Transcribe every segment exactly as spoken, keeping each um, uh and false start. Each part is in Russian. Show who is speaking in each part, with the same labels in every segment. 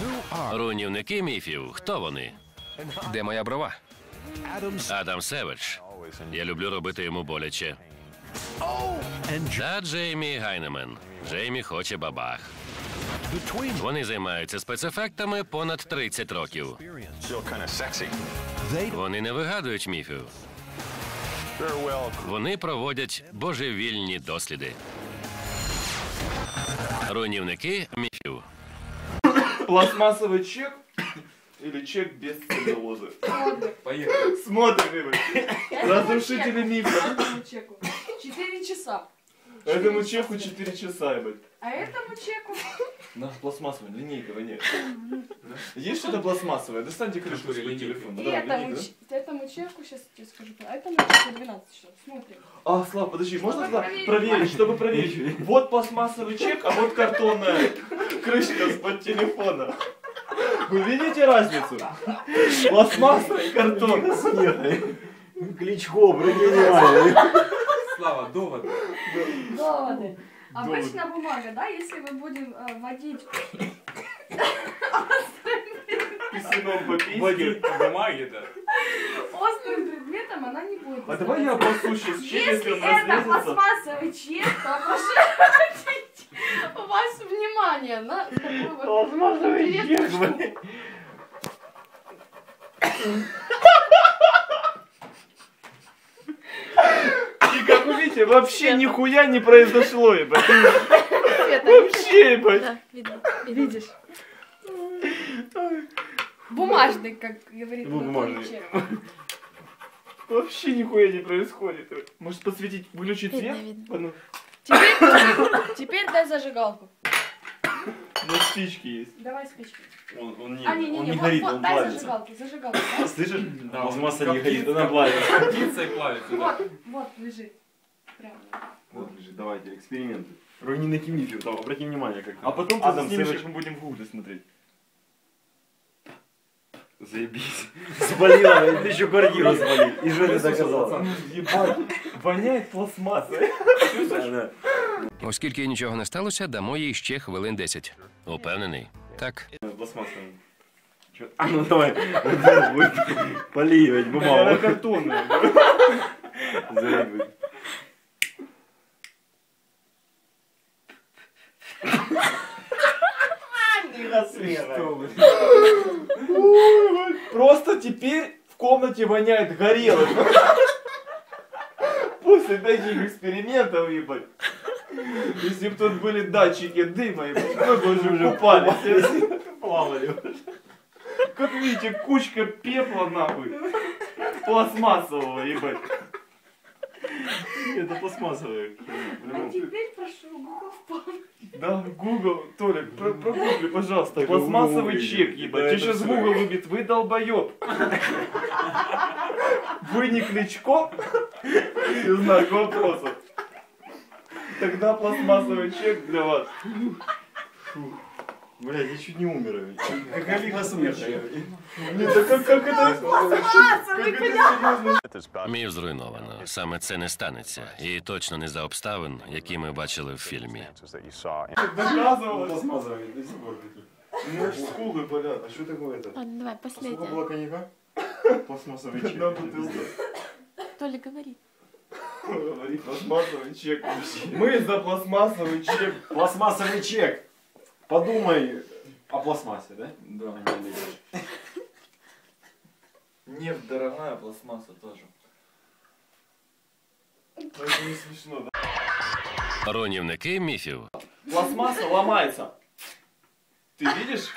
Speaker 1: Руйнівники міфів. Хто вони?
Speaker 2: Де моя брова?
Speaker 1: Адам Севедж. Я люблю робити йому боляче. Та Джеймі Гайнемен. Джеймі хоче бабах. Вони займаються спецефектами понад тридцять років. Вони не вигадують міфів. Вони проводять божевільні досліди. Руйнівники міфів.
Speaker 3: Пластмассовый чек или чек без целлюлозы?
Speaker 4: Поехали.
Speaker 3: Смотрим. Разрушители мифа.
Speaker 5: Четыре часа.
Speaker 3: Этому чеку четыре часа, ебать.
Speaker 5: А этому чеку?
Speaker 3: На пластмассовая линейка, нет. Есть что-то пластмассовое? Достаньте крышку своего телефона.
Speaker 5: И этому, этому чеку, сейчас я скажу, а этому чеку двенадцать часов. Смотрим.
Speaker 3: А, Слав, подожди, можно
Speaker 5: Чтобы
Speaker 3: Слав,
Speaker 5: проверить.
Speaker 3: проверить, чтобы проверить? Вот пластмассовый чек, а вот картонная крышка с-под телефона. Вы видите разницу? Пластмасса и картон.
Speaker 6: Кличко, гениальный.
Speaker 4: Слава, доводы.
Speaker 5: Доводы. Обычно бумага, да, если мы будем э, водить
Speaker 3: Писюном по письке.
Speaker 4: Водить по бумаге, да.
Speaker 5: острым предметом, она не будет.
Speaker 3: А давай я обоссу сейчас чек, если
Speaker 5: Если
Speaker 3: он
Speaker 5: это
Speaker 3: разлезется.
Speaker 5: пластмассовый чек, то прошу обратить у вас внимание на такую вот
Speaker 3: Пластмассовый
Speaker 5: интересную
Speaker 3: чек,
Speaker 5: штуку.
Speaker 3: И как вы видите, вообще нихуя не произошло, ебать.
Speaker 5: Света,
Speaker 3: Вообще, ебать.
Speaker 5: да, видно. Видишь? Бумажный, как говорит
Speaker 3: Ну,
Speaker 5: Анатолий
Speaker 3: бумажный.
Speaker 5: Чек.
Speaker 3: Вообще нихуя не происходит. Может подсветить, выключить
Speaker 5: Видно,
Speaker 3: свет?
Speaker 5: видно.
Speaker 3: А ну,
Speaker 5: Теперь, теперь дай зажигалку.
Speaker 3: ну, спички есть.
Speaker 5: Давай спички.
Speaker 6: Он, он не,
Speaker 5: А, не, не,
Speaker 6: он
Speaker 5: не,
Speaker 6: не
Speaker 5: вот,
Speaker 6: горит,
Speaker 5: вот,
Speaker 6: он
Speaker 5: дай
Speaker 6: плавится.
Speaker 5: зажигалку, зажигалку. Да?
Speaker 6: Слышишь?
Speaker 4: Да,
Speaker 6: Пластмасса
Speaker 4: он
Speaker 6: не горит,
Speaker 4: коптится,
Speaker 6: она плавится.
Speaker 4: коптится и плавится, да.
Speaker 5: Вот, вот лежит. Прямо.
Speaker 6: Вот, лежит, давайте, эксперименты. Руйнівники міфів, там, обрати внимание как.
Speaker 3: А потом ты
Speaker 6: Адам
Speaker 3: снимешь,
Speaker 6: Сэвэдж.
Speaker 3: как мы будем в гугле смотреть.
Speaker 6: Заебись. Спалила, ты еще квартиру спалил. И что ты доказал?
Speaker 3: Ебать, воняет пластмассой.
Speaker 6: Да.
Speaker 2: Оскільки нічого не сталося, дамо їй ще хвилин десять.
Speaker 1: Упевнений?
Speaker 2: Так.
Speaker 6: Пластмассовый. Чё? А ну давай, поливать
Speaker 3: Она
Speaker 6: бумагу.
Speaker 3: картонная.
Speaker 6: Заебись.
Speaker 3: Просто теперь в комнате воняет горелым. После таких экспериментов, ебать. Если бы тут были датчики дыма, ебать, мы бы уже купались.
Speaker 6: Плавали.
Speaker 3: Как видите, кучка пепла, нахуй. Пластмассового, ебать.
Speaker 6: Это пластмассовые.
Speaker 5: А теперь прошу Google впал.
Speaker 3: Да, Google, Толик, про- прогугли, пожалуйста,
Speaker 6: Так
Speaker 3: пластмассовый
Speaker 6: Google
Speaker 3: чек,
Speaker 6: выведет.
Speaker 3: ебать.
Speaker 6: Да,
Speaker 3: Тебе
Speaker 6: это
Speaker 3: сейчас
Speaker 6: всё.
Speaker 3: Google выбит, вы долбоёб. Вы не Кличко? И знак вопроса. Тогда пластмассовый чек для вас.
Speaker 6: Блядь, я чуть не умер. Как Олега смеха.
Speaker 3: Блин, да как, как это...
Speaker 5: Пластмассовый, понятно?
Speaker 1: Міф зруйновано. Саме це не станеться. І точно не за обставин, які ми бачили в фільмі.
Speaker 3: Доказывалось.
Speaker 6: Пластмассовые, до сих пор такие.
Speaker 3: У меня аж скулы болят.
Speaker 6: А что такое это?
Speaker 5: Ладно, давай,
Speaker 6: Сколько
Speaker 5: последнее.
Speaker 6: было коньяка? Пластмассовый чек.
Speaker 3: Одна бутылка.
Speaker 5: Толя, говори.
Speaker 3: Говори, пластмассовый чек. Мы за пластмассовый чек.
Speaker 6: Пластмассовый чек. Подумай о пластмассе, да?
Speaker 3: Да. Нефть дорогая, пластмасса тоже. Это не смешно, да?
Speaker 1: Руйнівники міфів.
Speaker 3: Пластмасса ломается. Ты видишь?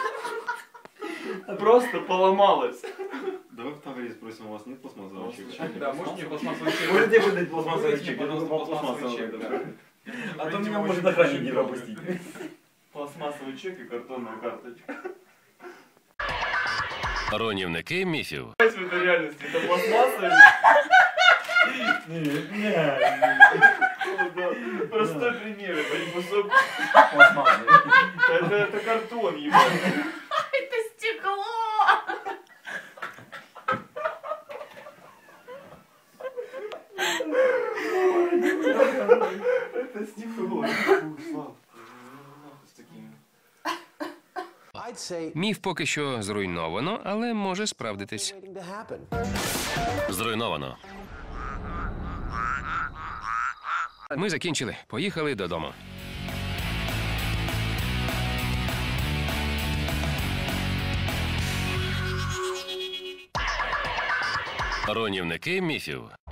Speaker 3: Просто поломалась.
Speaker 6: Давай в Таврии спросим, у вас нет пластмассового чека?
Speaker 4: Да, может мне пластмассовый чек?
Speaker 6: Можете выдать пластмассовый
Speaker 4: Выдайте
Speaker 6: чек?
Speaker 4: мне,
Speaker 6: Я думаю,
Speaker 4: пожалуйста,
Speaker 6: пластмассовый
Speaker 4: пластмассовый
Speaker 6: чек,
Speaker 4: чек,
Speaker 6: да.
Speaker 4: да.
Speaker 6: А то
Speaker 4: Видимо,
Speaker 6: меня
Speaker 4: очень
Speaker 6: может охранник не
Speaker 4: очень
Speaker 6: пропустить.
Speaker 3: Пластмассовый чек и картонная карточка.
Speaker 1: Руйнівники міфів.
Speaker 3: В этой реальности это пластмасса? Да. Простой пример, это кусок.
Speaker 6: Пластмассовый.
Speaker 3: Это, это картон, ебать.
Speaker 5: Это стекло!
Speaker 3: Это стекло. Фу, Слав, с такими.
Speaker 2: Міф поки що зруйновано, але може справдитись.
Speaker 1: Зруйновано.
Speaker 2: Ми закінчили. Поїхали додому.
Speaker 1: Руйнівники міфів.